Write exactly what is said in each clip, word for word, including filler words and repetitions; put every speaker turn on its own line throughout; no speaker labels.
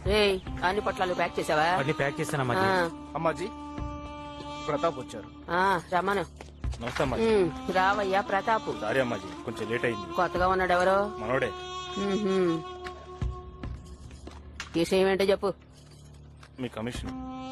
ఏయ్ అన్ని పొట్లాలు ప్యాక్ చేసావా?
అన్ని ప్యాక్ చేశానమ్మా.
అమ్మాజీ ప్రతాప్ వచ్చారు.
రమ్మను.
నమస్తే అమ్మాజీ.
రావయ్యా ప్రతాప్.
సారీ అమ్మాజీ, కొంచెం లేట్ అయింది.
కొత్తగా ఉన్నాడు ఎవరో?
మనోడే.
విషయం ఏంటో చెప్పు.
మీ కమిషన్.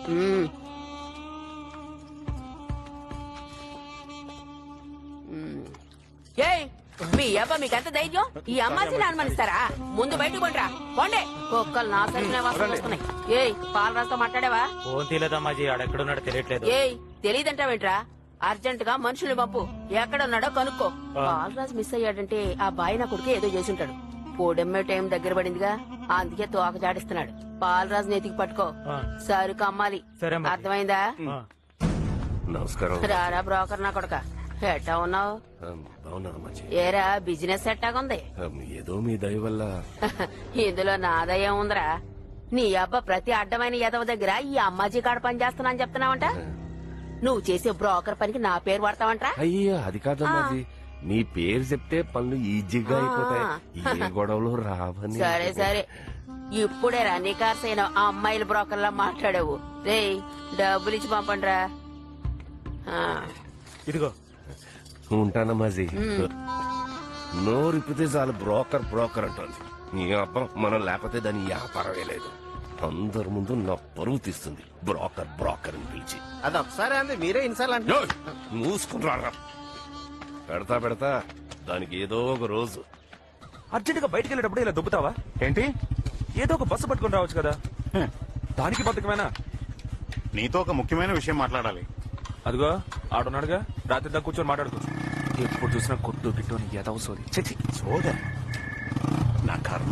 ఏయ్ మీ అబ్బా మీకెంత ధైర్యం? ఈ అమ్మాయిని అనుమానిస్తారా? ముందు బయటకు పండ్రా పోండే. కుక్కలు నా సరిగిన వాసన వస్తున్నాయి. ఏయ్ పాలరాజుతో మాట్లాడావా?
ఫోన్ తీయలేదమ్మాజీ, ఆడెక్కడున్నాడో తెలియట్లేదు.
ఏయ్ తెలియదంటావేంట్రా? అర్జెంట్ గా మనుషుల్ని పంపు, ఎక్కడున్నాడో కనుక్కో. పాలరాజు మిస్ అయ్యాడంటే ఆ బాయ్ నా కొడుకు ఏదో చేసుంటాడు. పోడెమ్మే టైం దగ్గర పడిందిగా, అందుకే తోక జాడిస్తున్నాడు. పాలరాజు నెతికి పట్టుకో, సరుకు అమ్మాలి. అర్థమైందా?
నమస్కారం.
రారా బ్రోకర్ నా కొడుక, ఎట్టా ఉన్నావు? ఏరా బిజినెస్ ఎట్టాగుంది?
ఏదో మీ దయ వల్ల.
ఇందులో నా దయ ఉందిరా. నీ అబ్బ ప్రతి అడ్డమైన ఎదవ దగ్గర ఈ అమ్మాజీ కాడ పని చేస్తున్నా అని చెప్తున్నావంట. నువ్వు చేసే బ్రోకర్ పనికి నా పేరు వాడతావంట.
అయ్యా అది కాదమ్మాజీ, మీ పేరు చెప్తే పనులు ఈజీగా అయిపోతాయి, ఏ గొడవలు రావని.
సరే సరే, ఇప్పుడే రా నికార్సైన ఆ అమ్మాయిల బ్రోకర్ లా మాట్లాడావు. రే డబ్బులు ఇచ్చి పంపండి రా.
ఇదిగో
ఉంటానమ్మాజీ. నోరిపితే చాలు బ్రోకర్ బ్రోకర్ అంటుంది. నీ అబ్బా మనం లేకపోతే దాని వ్యాపారమే లేదు. అందరి ముందు నా పరువు తీస్తుంది బ్రోకర్ బ్రోకర్ అని పిలిచి.
అది ఒకసారి అంది మీరే ఇన్సార్లు
మూసుకున్నారా? పెడతా పెడతా దానికి ఏదో ఒక రోజు.
అర్జెంట్ గా బయటకు వెళ్ళేటప్పుడు ఇలా దుబ్బుతావా ఏంటి? ఏదో ఒక బస్సు పట్టుకుని రావచ్చు కదా. దానికి బతుకమేనా?
నీతో ఒక ముఖ్యమైన విషయం మాట్లాడాలి.
అదిగో ఆడున్నాడుగా, రాత్రి దాకా కూర్చొని మాట్లాడుకో. ఎప్పుడు చూసినా కొట్టు గిట్టు అని ఏదో సోది. చచ్చి
సోద నా కర్మ.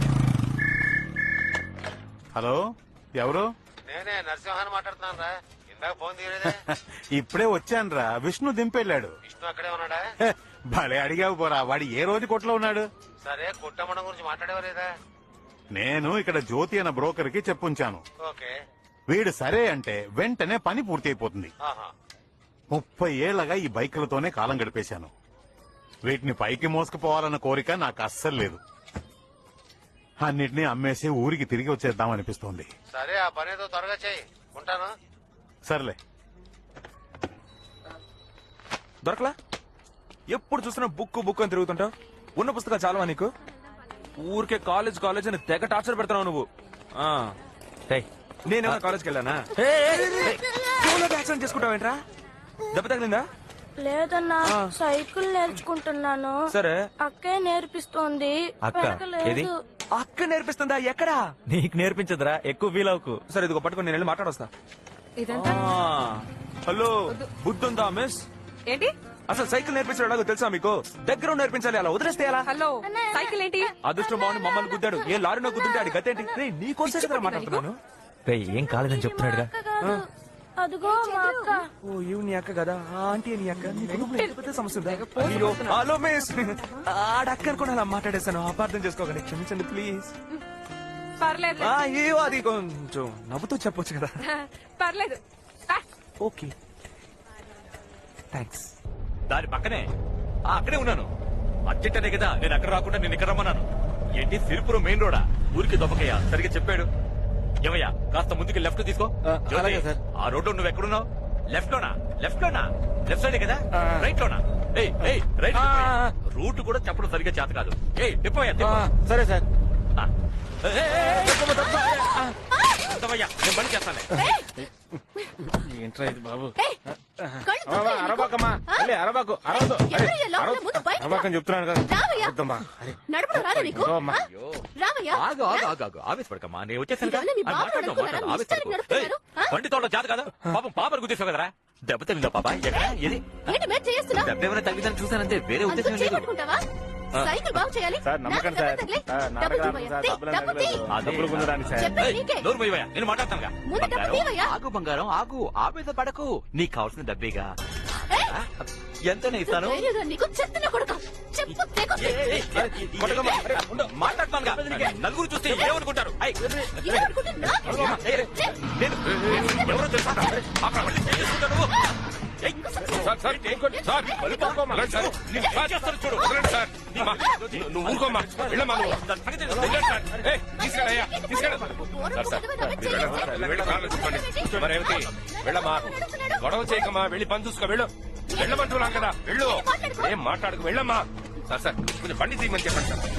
హలో ఎవరు?
నేనే నరసింహాన్ని మాట్లాడుతున్నాను రా. ఇందాక ఫోన్ తీయలేదే.
ఇప్పుడే వచ్చాను రా. విష్ణు దింపెళ్ళాడు.
విష్ణు అక్కడే ఉన్నాడా?
భలే అడిగావు పోరా. వాడు ఏ రోజు కొట్లో ఉన్నాడు?
సరే కుట్టమ్మడం గురించి మాట్లాడేవారేదా?
నేను ఇక్కడ జ్యోతి అన్న బ్రోకర్ కి చెప్పుంచాను.
ఓకే.
వీడు సరే అంటే వెంటనే పని పూర్తి అయిపోతుంది. ముప్పై ఏళ్లగా ఈ బైకులతోనే కాలం గడిపేశాను. వీటిని పైకి మోసుకుపోవాలన్న కోరిక నాకు అస్సలు లేదు. అన్నిటినీ అమ్మేసి ఊరికి తిరిగి వచ్చేద్దాం అనిపిస్తోంది.
సరే ఆ పని ఏదో త్వరగా చేయి. ఉంటాను.
సర్లే.
దొరకలా? ఎప్పుడు చూసినా బుక్ బుక్ అని తిరుగుతుంటావు. ఉన్న పుస్తకాలు చాలవా నీకు? ఊరికే కాలేజ్ కాలేజ్ అని తెగ టార్చర్ పెడతావు నువ్వు. నేనేమన్నా కాలేజ్కి వెళ్ళానా? యాక్సిడెంట్ చేసుకుంటావేంట్రా? దెబ్బ తగిలిందా?
లేదన్నా, సైకిల్ నేర్చుకుంటున్నాను.
సరే,
అక్కే నేర్పిస్తోంది.
అక్క ఏది?
అక్క నేర్పిస్తుందా? ఎక్కడా?
నీకు నేర్పించదురా, ఎక్కువ వీలవుకు.
సరే ఇదిగో పట్టుకుని నేను వెళ్ళి మాట్లాడొస్తా. హలో, బుద్ధుందా మిస్?
ఏంటి
అసలు సైకిల్ నేర్పించడం ఎలాగో తెలుసా మీకు? దగ్గర నేర్పించాలి, అలా వదిలేస్తే ఎలా?
హలో, సైకిల్ ఏంటి?
అదృష్టం బాగుంది మమ్మల్ని గుద్దాడు. ఏ లారీలో గుద్దుంటే ఆడి గతేంటి? నీకోసం మాట్లాడుతున్నాను.
ఏం కాలేదని చెప్తున్నాడుగా.
అదిగో మా అక్క.
ఓ ఇవి నీ అక్క కదా? ఆంటీ నీ అక్క. పెద్ద సమస్య ఉందా? అయ్యో హలో మిస్, ఆడక్క అనుకుని అలా మాట్లాడేశాను. అపార్థం చేసుకోకండి, క్షమించండి ప్లీజ్.
పర్లేదు.
అయ్యో అది కొంచెం నవ్వుతూ చెప్పొచ్చు కదా.
పర్లేదు.
Okay thanks.
దాని పక్కనే అక్కడే ఉన్నాను. అర్జెంటనే కదా నేను అక్కడ రాకుండా నేను ఇక్కడ రమ్మన్నాను. ఏంటి సిరిపురం మెయిన్ రోడా? ఊరికి దొప్పకయ్యా సరిగ్గా చెప్పాడు. ఏమయ్యా కాస్త ముందుకి లెఫ్ట్ తీసుకో. ఆ రోడ్డు నువ్వు ఎక్కడున్నావు? లెఫ్ట్ లోనా? లెఫ్ట్ లోనా? లెఫ్ట్ సైడ్ కదా? రైట్ లోనా? రైట్. రూట్ కూడా చెప్పడం సరిగ్గా చేత కాదు. ఏ తిప్పయ్యా.
సరే సార్.
నేను పని చేస్తాను.
ఏంట్రా ఇది బాబు? అరబాకమ్మా, అరబాకు అరవదు. అరబాకని చెప్తున్నాను కదా.
ఆవేశపడకమ్మా, నేను వచ్చేసాను. బండి తోట చేత కదా? పాపం పాపను గుర్తిస్తావు కదరా? దెబ్బ తగిలిందా పాప? దెబ్బ ఏమైనా తగ్గిందని చూసానంతే, వేరే ఉద్దేశం లేదు.
సైకిల్ బాగు చేయాలి.
సార్ నమ్మకండి సార్.
నోరు పోయివయ్యా, నేను మాట్లాడతాను. ఆగు బంగారం ఆగు, ఆవేశ పడకు. నీకు కావాల్సిన డబ్బేగా, ఎంతనే ఇస్తాను. మాట్లాడుతాను. నలుగురు చూస్తే ఏమనుకుంటారు? ఎవరో తెలుసా? ఏయ్,
సార్ సార్ ఊరుకోండి. సార్ ఊరుకోమ్మా. రండి సార్.
ఏం చేస్తారో చూడు.
వదలండి సార్. అమ్మా, నువ్వు ఊరుకోమ్మా. వెళ్ళమ్మా నువ్వు.
దాని సంగతి తెలుసు.
వెళ్ళండి సార్. ఏయ్, తీసుకెళ్ళయ్యా, తీసుకెళ్ళ. సార్ సార్ మీరు వెళ్ళండి సార్. వెళ్ళి కార్లో చెప్పండి. మరి రేవతి వెళ్ళమ్మా, గొడవ చేయకమ్మా, వెళ్ళి పని చూసుకో. వెళ్ళు, వెళ్ళమంటున్నాం కదా, వెళ్ళు. ఏం మాట్లాడుకు, వెళ్ళమ్మా. సార్ సార్ కొంచెం బండి తీయమని చెప్పండి సార్.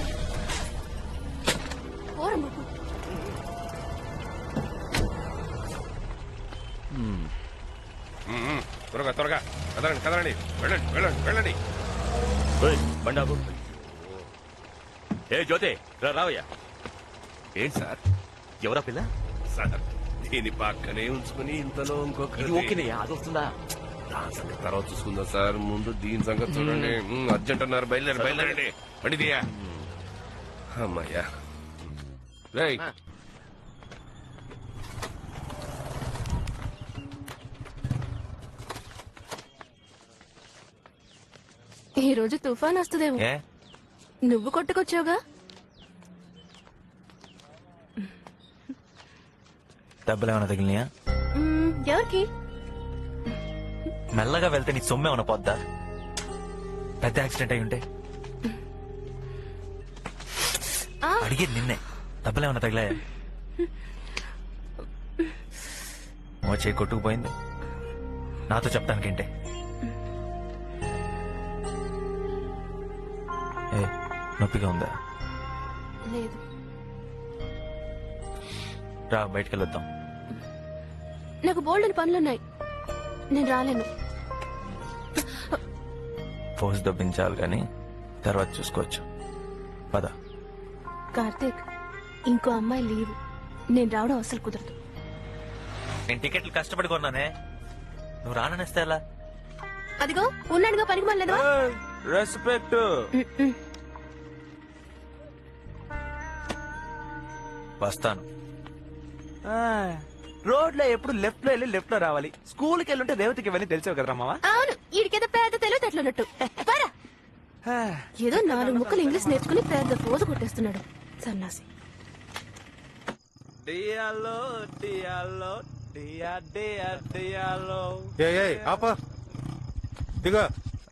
ఉమ్, ఉమ్, త్వరగా త్వరగా కదలండి కదలండి, వెళ్ళండి వెళ్ళండి వెళ్ళండి.
ఏయ్, బండి ఆపు. ఏ జ్యోతి రా, రావయ్యా.
ఏంటి సార్?
ఎవరా పిల్ల?
సార్ దీని పక్కనే ఉంచుకుని ఇంతలో ఇంకొక
ఇది ఓకేనయ్యా, అది వస్తుందా?
దాని సంగతి తర్వాత చూసుకుందాం సార్, ముందు దీని సంగతి చూడండి. ఉమ్, అర్జెంట్ అన్నారు, బయలుదేరి బయలుదేరండి. బండి దియా. అమ్మయ్యా. రేయ్
ఈ రోజు తుఫాన్ వస్తుందేమో.
ఏ
నువ్వు కొట్టుకొచ్చావుగా.
డబ్బులు ఏమైనా తగిలినాయా?
మ్మ్, ఎవరికి?
మెల్లగా వెళ్తే నీ సొమ్ము ఏమైనా పోద్దా? పెద్ద యాక్సిడెంట్ అయి ఉంటే
ఆ.
అడిగేది నిన్నే. డబ్బులు ఏమైనా తగిలాయా? ఓ చేయి కొట్టుకుపోయింది, నాతో చెప్తానికేంటే? ఏ నొప్పిగా ఉందా?
లేదు.
రా బయటికి వెళ్ళొద్దాం.
నాకు బోల్డెన్ పనులున్నాయి, నేను రాలేను.
ఫోర్స్ దొబ్బించాలి కానీ తర్వాత చూసుకోవచ్చు. పద.
కార్తీక్, ఇంకో అమ్మాయి లీవ్, నేను రావడం అసలు కుదరదు.
నేను టికెట్లు కష్టపడి కొన్నానే, నువ్వు రాననేస్తే ఎలా?
అదిగో ఉన్నాడుగా పనికి మళ్ళీ.
రెస్పెక్ట్.
వస్తాను.
రోడ్ లో ఎప్పుడు లెఫ్ట్ లో వెళ్ళి లెఫ్ట్ లో రావాలి. స్కూల్ కి వెళ్ళుంటే రేవతికి ఇవన్నీ తెలిసావు కదరా మావా.
అవును, ఈడికేదో పేద తెలివితేటలున్నట్టు. పరా. ఏదో నాలుగు ముక్కలు ఇంగ్లీష్ నేర్చుకుని పేద పోజు కొట్టేస్తున్నాడు సన్నాసి.
డియాలో డియాలో డియా డియా డియాలో.
ఏ ఏ ఆప దిగో.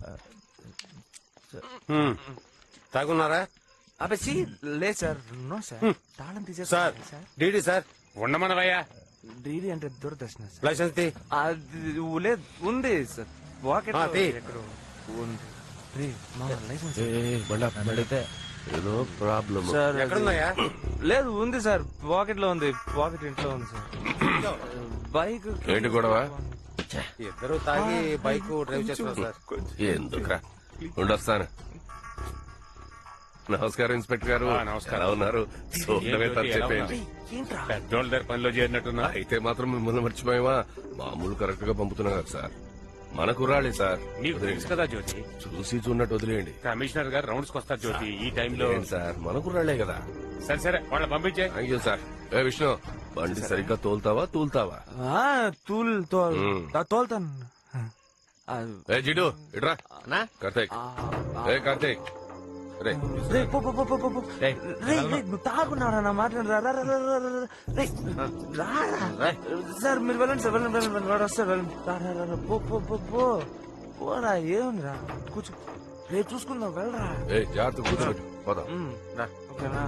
హ్మ్. తాగున్నారా
అబ్బే లేదు సార్, నో సార్. తాళం
సార్?
తీసేస్తారు సార్.
DD sir.
ఉండమనవయ్యా.
డీడీ అంటే దూరదర్శన సార్.
లైసెన్స్ తీ.
అది లేదు, ఉంది సార్ పాకెట్
ఆ, తీ.
ఎక్కడో ఉంది. రే, మా లైసెన్స్
అడిగితే
ఏదో ప్రాబ్లం.
సార్
ఎక్కడున్నాయా?
లేదు, ఉంది సార్, పాకెట్ లో ఉంది. పాకెట్ ఇంట్లో ఉంది సార్. బైక్
ఏంటి గొడవ?
ఇద్దరు తాగి బైక్ డ్రైవ్ చేస్తున్నారు సార్.
ఎందుకురా, ఉండొస్తాను. నమస్కారం ఇన్స్పెక్టర్ గారు.
ఆ, నమస్కారం.
ఎలా ఉన్నారు? చూడమే
ఏంటి,
తప్పు
ఎలా
చెప్పేయండి.
ఏంట్రా?
పెద్దోళ్ళ దగ్గర పనిలో చేరినట్టున్నా.
అయితే మాత్రం మిమ్మల్ని మర్చిపోయావా? మామూలు కరెక్ట్ గా పంపుతున్నా కదా సార్. మన కుర్రాళ్ళే సార్.
నీకు తెలుసు కదా జ్యోతి,
చూసి చూడనట్టు వదిలేయండి.
కమిషనర్ గారు రౌండ్స్ కి వస్తారు జ్యోతి ఈ టైంలో.
ఏంటి సార్, మన కుర్రాళ్లే కదా.
సరే సరే వాళ్ళని పంపించే.
Thank you sir. ఏ విష్ణు, బండి సరిగ్గా తోలుతావా తూలుతావా?
ఆ, తూల్ తోల్
మ్మ్.
ఆ, తోల్తాను. ఆ,
ఏ జిడు ఇట్రా. కార్తీక్.
ఆ,
ఏ కార్తీక్, రే
రే, పో, పో, పో, పో, పో, పో. రే, రే, నువ్వు తాగున్నారా నా మాట? రా, రా, రా, రా, రా, రా, రా. రే, రా, రా. సార్ మీరు వెళ్ళండి సార్, వెళ్ళండి వెళ్ళండి వెళ్ళండి. వాడు వస్తారు, వెళ్ళండి. రా, రా, రా, రా. పో, పో, పో, పో. పోరా, ఏముందిరా, కూర్చో. రేపు చూసుకుందాం, వెళ్ళరా.
ఏ జాగ్రత్త కూర్చోబెట్టు, పోదాం.
మ్మ్, రా, ఓకేనా?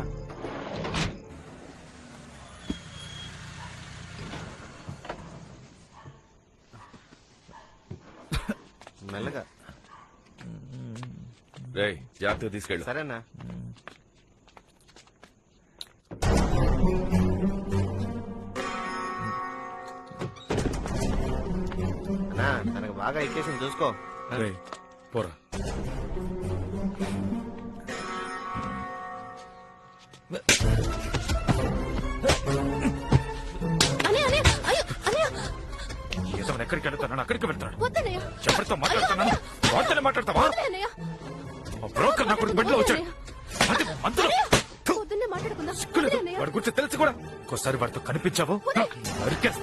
మెల్లగా.
రే జాగ్రత్తగా తీసుకెళ్ళు.
సరేనా? తనకు బాగా ఎక్కేసింది చూసుకో.
రేయ్, పోరా.
అనే అనే అయ్యో అనే
ఇతను ఎక్కడికి వెళ్తాను, అక్కడికి వెళ్తాడు.
వద్దనయ్య.
ఎవరితో మాట్లాడుతున్నాను? వాటితో మాట్లాడతావా?
వద్దనయ్య.
మా బ్రోకర్ నా కొడుకు బెడ్ లో వచ్చాడు. అది మందులో
పొద్దున్నే మాట్లాడుకుందాం.
సిగ్గులేదు.
వద్దనయ్య.
వాడి గురించి తెలుసు కూడా. ఒక్కోసారి వాడితో కనిపించావు నరికేస్తా.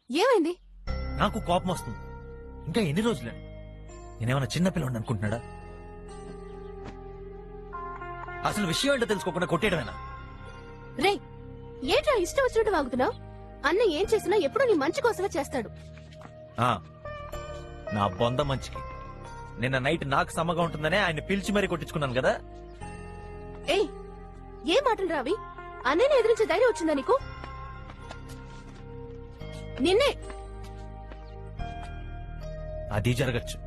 ఏమైంది?
నాకు కోపం వస్తుంది. ఇంకా ఎన్ని రోజులే? నేనేమన్నా చిన్నపిల్లని అనుకుంటున్నాడా? అసలు విషయం ఏంటో తెలుసుకోకుండా కొట్టేయడమేనా?
రే ఏంట్రా ఇష్టం వచ్చినట్టు వాగుతున్నావు? అన్న ఏం చేసినా ఎప్పుడు నీ మంచి కోసమే చేస్తాడు.
ఆ, నా బొంద మంచికి. నిన్న నైట్ నాకు సమ్మగా ఉంటుందనే ఆయన పిలిచి మరీ కొట్టించుకున్నాను కదా.
ఏయ్ ఏ మాటలు రావి? అన్నయ్యని ఎదిరించే ధైర్యం వచ్చిందా నీకు? నిన్నే
అది జరగచ్చు.